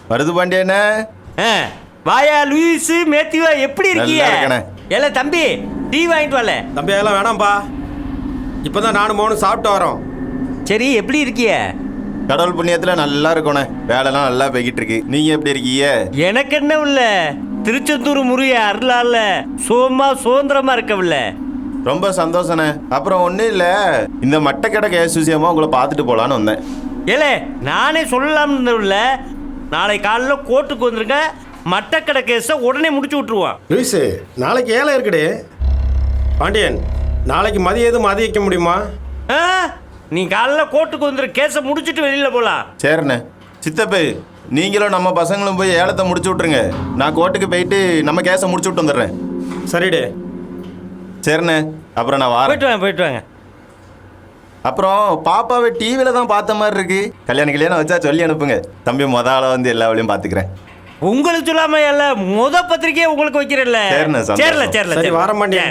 வருது பாண்டியண்ணே. வாயா லூயிஸ் மேத்யூவா, எப்படி இருக்கீங்க? ஏல தம்பி, டீ வாங்கிட்டு வரல. தம்பி அதெல்லாம் வேணாம்ப்பா, இப்போதான் நானும் மோனும் சாப்பிட்டு வரோம். சரி, எப்படி இருக்கீங்க? கடவுள் புண்ணியத்தில் நல்லா இருக்கோண்ணே. வேலைலாம் நல்லா போய்கிட்டு இருக்கு. நீங்கள் எப்படி இருக்கீங்க? எனக்கு என்ன இல்ல, திருச்செந்தூர் முருக அருளால சோமா சுதந்திரமா இருக்கவில்ல. ரொம்ப சந்தோஷண்ணே. அப்புறம் ஒன்றும் இல்லை, இந்த மட்டக்கடை கேஸ் விஷயமா உங்களை பார்த்துட்டு போகலான்னு வந்தேன். ஏலே, நானே சொல்லலாம்னு இல்லை, நாளை காலையில் கோர்ட்டுக்கு வந்துருங்க, மட்டக்கடை கேஸை உடனே முடிச்சு விட்டுருவான். லூயிஸு, நாளைக்கு ஏழை இருக்குடே. பாண்டியன், நாளைக்கு மதியம் எதுவும் மதிய வைக்க முடியுமா? நீ காலைல கோர்ட்டுக்கு வந்துரு, கேஸை முடிச்சுட்டு வெளியில் போகலாம். சரிண்ணே. சித்தப்பு, நீங்களும் நம்ம பசங்களும் போய் ஏலத்தை முடிச்சு விட்ருங்க. நான் கோர்ட்டுக்கு போயிட்டு நம்ம கேஸை முடிச்சு விட்டு வந்துடுறேன். சரிடே. சரிண்ணே, அப்புறம் நான் வரேன். போயிட்டு வாங்க. அப்புறம் பாப்பாவை டிவியில் தான் பார்த்த மாதிரி இருக்கு. கல்யாணம் கல்யாணம் வச்சா சொல்லி அனுப்புங்க. தம்பி முதல்ல வந்து எல்லா வழியும் பார்த்துக்கிறேன். உங்களுக்கு சொல்லாம இல்ல, பத்திரிக்கையை உங்களுக்கு வைக்கிறேன்ல. சரி, வர மாட்டேன்.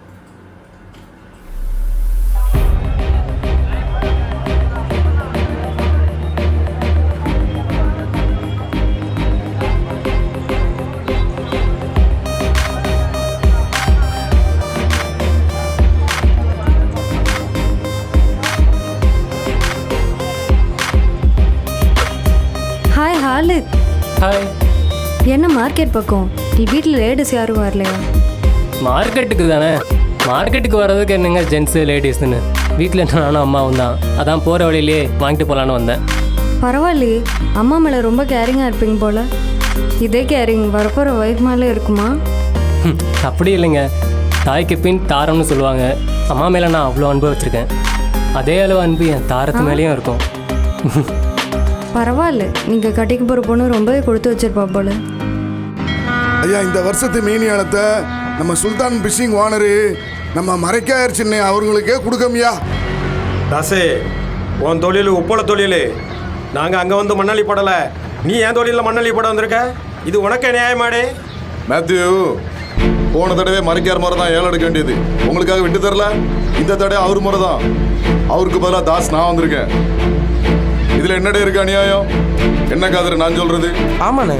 ஹாய் ஹாலித். ஹாய். என்ன மார்க்கெட் பக்கம்? நீ வீட்டில் லேடிஸ் யாரும் வரலையா? மார்க்கெட்டுக்கு தானே. மார்க்கெட்டுக்கு வர்றதுக்கு என்னங்க ஜென்ஸு லேடிஸ்ன்னு, வீட்டில் நானும் அம்மாவும் தான். அதான் போகிற வழியிலே வாங்கிட்டு போகலான்னு வந்தேன். பரவாயில்லையே, அம்மா மேலே ரொம்ப கேரிங்காக இருப்பீங்க போல். இதே கேரிங் வரப்போகிற ஒய்ஃப் மேலே இருக்குமா? அப்படி இல்லைங்க, தாய்க்கு பின் தாரம்னு சொல்லுவாங்க. அம்மா மேலே நான் அவ்வளோ அன்பு வச்சுருக்கேன். அதே அளவு அன்பு என் தாரத்து மேலேயும் இருக்கும். பரவாயில்ல, நீங்கள் கட்டிக்கு போகிற பொண்ணு ரொம்பவே கொடுத்து வச்சிருப்பா போல. ஐயா, இந்த வருஷத்து மீன் ஏலத்தை நம்ம சுல்தான் பிஷிங் ஓனரு நம்ம மறைக்காயர் சின்ன அவர்களுக்கே கொடுக்கமியா. தாசு, உன் தொழில் உப்பள தொழில். நாங்கள் அங்கே வந்து மண்ணாளி போடலை, நீ என் தொழிலில் மண்ணாளி போட வந்திருக்க. இது உனக்கே நியாயமாடே? மேத்யூ, போன தடவை மறைக்கார் முறை தான் ஏலம் எடுக்க வேண்டியது. உங்களுக்காக விட்டு தரல. இந்த தடவை அவர் முறை தான். அவருக்கு பதிலாக தாஸ் நான் வந்திருக்கேன். இதுல என்னடே இருக்கு அநியாயம்? என்ன காதர் நான் சொல்றது? ஆமாண்ணே.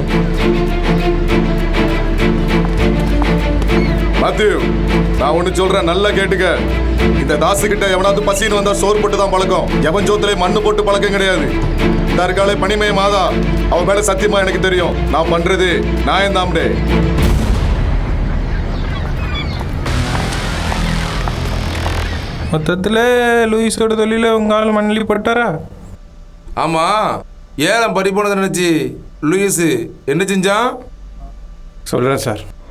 மாத்யூ, நான் ஒண்ணு சொல்றேன், நல்லா கேட்டுக்க. இந்த தாசு கிட்ட எவனாவது பசின்னு வந்தா சோறு போட்டு தான் பழக்கம். எவன் சோத்துல மண்ணு போட்டு பழக்கம் கிடையாது. தற்காலை பனிமய மாதா, அவன் மேல சத்தியமா எனக்கு தெரியும். நான் பண்றது நான் தாம்டே. மொத்தத்தில் லூயிஸோட தொழில உங்களால் மண்ணலி போட்டாரா? ஆமா, ஏலம் பறி போனதை நினைச்சு லூயிஸ் என்ன செஞ்சான்? சொல்கிறேன் சார்.